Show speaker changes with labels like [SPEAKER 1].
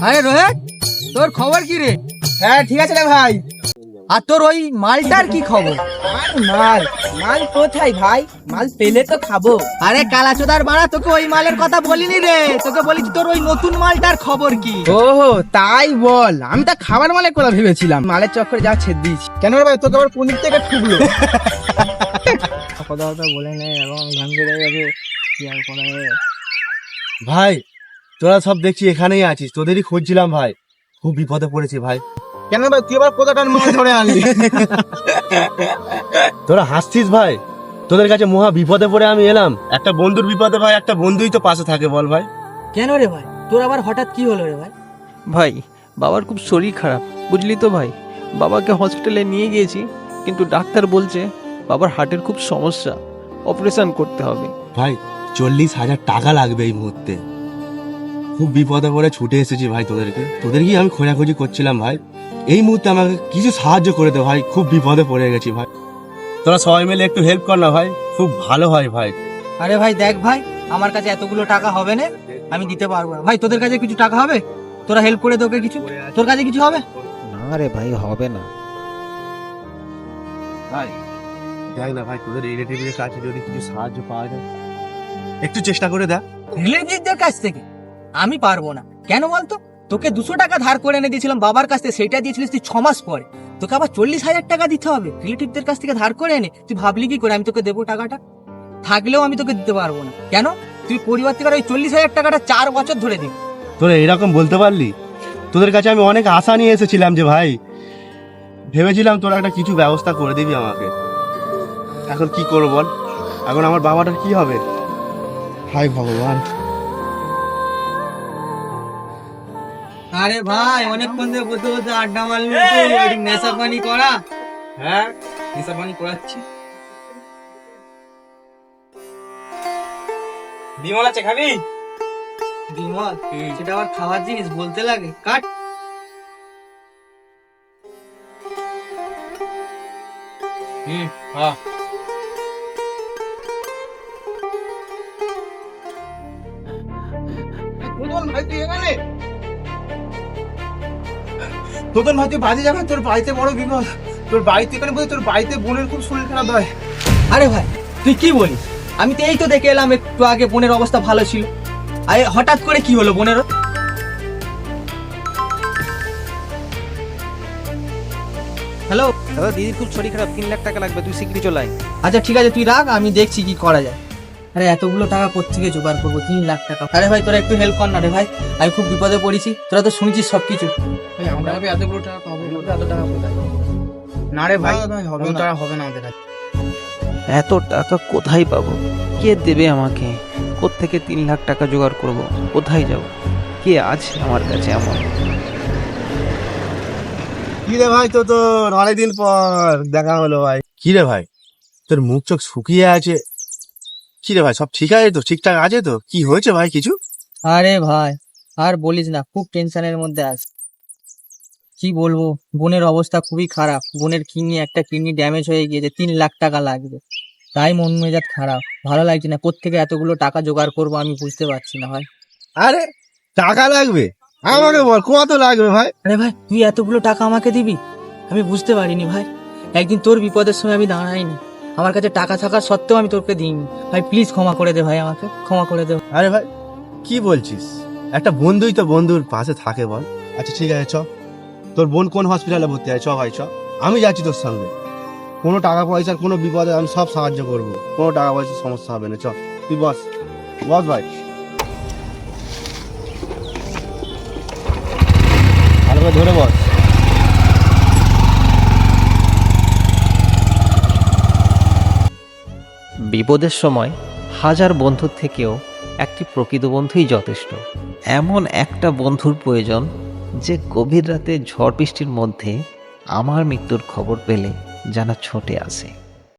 [SPEAKER 1] আরে রোহিত, তোর খবর কি রে?
[SPEAKER 2] হ্যাঁ ঠিক আছে রে ভাই।
[SPEAKER 1] আর তোর ওই মালটার কি খবর?
[SPEAKER 2] আর মাল মাল কোথায় ভাই? মাল পেলে তো খাবো।
[SPEAKER 1] আরে কালাচোদার বাড়া, তোকে ওই মালের কথা বলিনি রে, তোকে বলেছি তোর ওই নতুন মালটার খবর কি।
[SPEAKER 2] ওহো তাই বল, আমি তো খাবার মালের কথা ভেবেছিলাম। মালের চক্করে যা ছেদ দিয়েছি। কেন রে ভাই, তোকে আবার পনির থেকে ঠুকলো? কথা কথা বলে নেই এবং গান বেড়ে যাবে, কি আর করা যাবে।
[SPEAKER 3] ভাই তোরা সব দেখছি এখানেই আছিস, তোদেরই খুঁজছিলাম ভাই, খুব বিপদে পড়েছি ভাই।
[SPEAKER 2] কেন ভাই, তুই আবার কোথাটার মাল ধরে আনলি?
[SPEAKER 3] তোরা হাসছিস ভাই, তোদের কাছে মহা বিপদে পড়ে আমি এলাম। একটা বন্ধুর বিপদে ভাই একটা বন্ধুই তো পাশে থাকে, বল ভাই।
[SPEAKER 1] কেন রে ভাই, তোর আবার হঠাৎ কি হলো রে ভাই?
[SPEAKER 4] ভাই বাবার খুব শরীর খারাপ, বুঝলি তো ভাই। বাবাকে হসপিটালে নিয়ে গিয়েছি, কিন্তু ডাক্তার বলছে বাবার হার্টের খুব সমস্যা, অপারেশন করতে হবে।
[SPEAKER 3] ভাই 40,000 টাকা লাগবে এই মুহূর্তে, খুব বিপদে পড়ে ছুটে এসেছি ভাই তোদেরকেই আমি খোঁজাখুঁজি করছিলাম ভাই। এই মুহূর্তে আমাকে কিছু সাহায্য করে দে ভাই, খুব বিপদে পড়ে গেছি ভাই। তোরা সবাই মিলে একটু হেল্প কর না ভাই, খুব ভালো হয় ভাই।
[SPEAKER 1] আরে ভাই দেখ ভাই, আমার কাছে এতগুলো টাকা হবে না, আমি দিতে পারবো না ভাই। তোদের কাছে কিছু টাকা হবে? তোরা হেল্প করে তোকে কিছু, তোর কাছে কিছু হবে?
[SPEAKER 4] না রে ভাই, হবে না।
[SPEAKER 3] ভাই দেখ না ভাই, তোদের রিলেটিভের কাছে যদি কিছু সাহায্য পাওয়া যায়, একটু চেষ্টা করে দেখ।
[SPEAKER 1] রিলেটিভদের কাছ থেকে আমি পারবো না। কেন বলতো? তোকে 200 টাকা ধার করে এনে দিয়েছিলাম বাবার কাছ থেকে, সেটা দিয়েছিলিস তুই 6 মাস পরে। তোকে আবার 40,000 টাকা দিতে হবে রিলেটিভদের কাছ থেকে ধার করে এনে? তুই ভাবলি কি করে আমি তোকে দেবো টাকাটা? থাকলেও আমি তোকে দিতে পারবো না। কেন? তুই পরিবার থেকে ওই 40,000 টাকাটা 4 বছর ধরে দিবি।
[SPEAKER 3] তোরা এরকম বলতে পারলি? তোদের কাছে আমি অনেক আশা নিয়ে এসেছিলাম যে ভাই, ভেবেছিলাম তোরা একটা কিছু ব্যবস্থা করে দিবি আমাকে। এখন কি করবো বল, এখন আমার বাবাটার কি হবে? হায় ভগবান।
[SPEAKER 1] আরে ভাই, অনেকক্ষণ ধরে বলতে বলতে আড্ডা মারলি, নেশা পানি করা?
[SPEAKER 2] হ্যাঁ হিসাব পানি করাচ্ছি। বিমল আছে, খাবি?
[SPEAKER 1] বিমল? সেটা আবার খাওয়ার জিনিস বলতে লাগে? কাট।
[SPEAKER 2] হ্যাঁ ভাই তুই এখানে? তোদের ভাই তুই বাজে যাবে, তোর বাড়িতে বড় বিপদ। তোর বাড়িতে এখানে বলতে, তোর বাড়িতে বোনের খুব শরীর খারাপ হয়।
[SPEAKER 1] আরে ভাই তুই কি বলিস? আমি তো এই তো দেখে এলাম একটু আগে বোনের অবস্থা ভালো ছিল, আরে হঠাৎ করে কি হলো বোনের? হ্যালো
[SPEAKER 4] দাদা, দিদির খুব শরীর খারাপ, 3 লাখ টাকা লাগবে, তুই শিগগিরই চলে আয়।
[SPEAKER 1] আচ্ছা ঠিক আছে, তুই রাখ, আমি দেখছি কি করা যায়। আরে এতগুলো টাকা কোত্থেকে জোগাড় করবো? 3 লাখ টাকা? আরে ভাই তোরা একটু হেল্প কর না রে ভাই, আমি খুব বিপদে পড়েছি। তোরা তো শুনেছিস সবকিছু।
[SPEAKER 2] আমরা এতগুলো টাকা পাবো? এত টাকা কোথায়? না রে ভাই, হবে না, হবে না আমাদের কাছে।
[SPEAKER 4] এত টাকা কোথায় পাবো? কে দেবে আমাকে? কোত্থেকে 3 লাখ টাকা জোগাড় করব? কোথায় যাব? কে আছে আমার কাছে এমন?
[SPEAKER 3] কি রে ভাই, তো অনেকদিন পর দেখা হলো ভাই। কি রে ভাই, তোর মুখ চোখ শুকিয়ে আছে, কি রে ভাই সব ঠিক আছে তো? ঠিকঠাক আছে তো? কি হয়েছে ভাই কিছু?
[SPEAKER 1] আরে ভাই আর বলিস না, খুব টেনশনের মধ্যে আছি। কি বলবো, বোনের অবস্থা খুবই খারাপ। বোনের একটা কিডনি ড্যামেজ হয়ে গিয়েছে, 3 লাখ টাকা লাগবে। তাই মন মেজাজ খারাপ, ভালো লাগছে না। কোত্থেকে এতগুলো টাকা জোগাড় করবো আমি বুঝতে পারছি না ভাই।
[SPEAKER 3] আরে টাকা লাগবে? আমাকে বল কত লাগবে ভাই।
[SPEAKER 1] আরে ভাই তুই এতগুলো টাকা আমাকে দিবি? আমি বুঝতে পারিনি ভাই, একদিন তোর বিপদের সময় আমি দাঁড়াইনি, আমার কাছে টাকা থাকা সত্ত্বেও আমি তোকে দিইনি ভাই। প্লিজ ক্ষমা করে দে ভাই, আমাকে ক্ষমা করে দে।
[SPEAKER 3] আরে ভাই কি বলছিস, একটা বন্ধুই তো বন্ধুর পাশে থাকে বল। আচ্ছা ঠিক আছে চ, তোর বোন কোন হসপিটালে ভর্তি আছে, চ ভাই চ, আমি যাচ্ছি তোর সঙ্গে। কোনো টাকা পয়সার কোনো বিপদে আমি সব সাহায্য করবো, কোনো টাকা পয়সার সমস্যা হবে না। চ তুই বস, বস ভাই, ভালো করে ধরে বস।
[SPEAKER 4] বিপদের সময় হাজার বন্ধুর থেকেও একটি প্রকৃত বন্ধুই যথেষ্ট। এমন একটা বন্ধুর প্রয়োজন যে গভীর রাতে ঝড় বৃষ্টির মধ্যে আমার মৃত্যুর খবর পেলে যেন ছুটে আসে।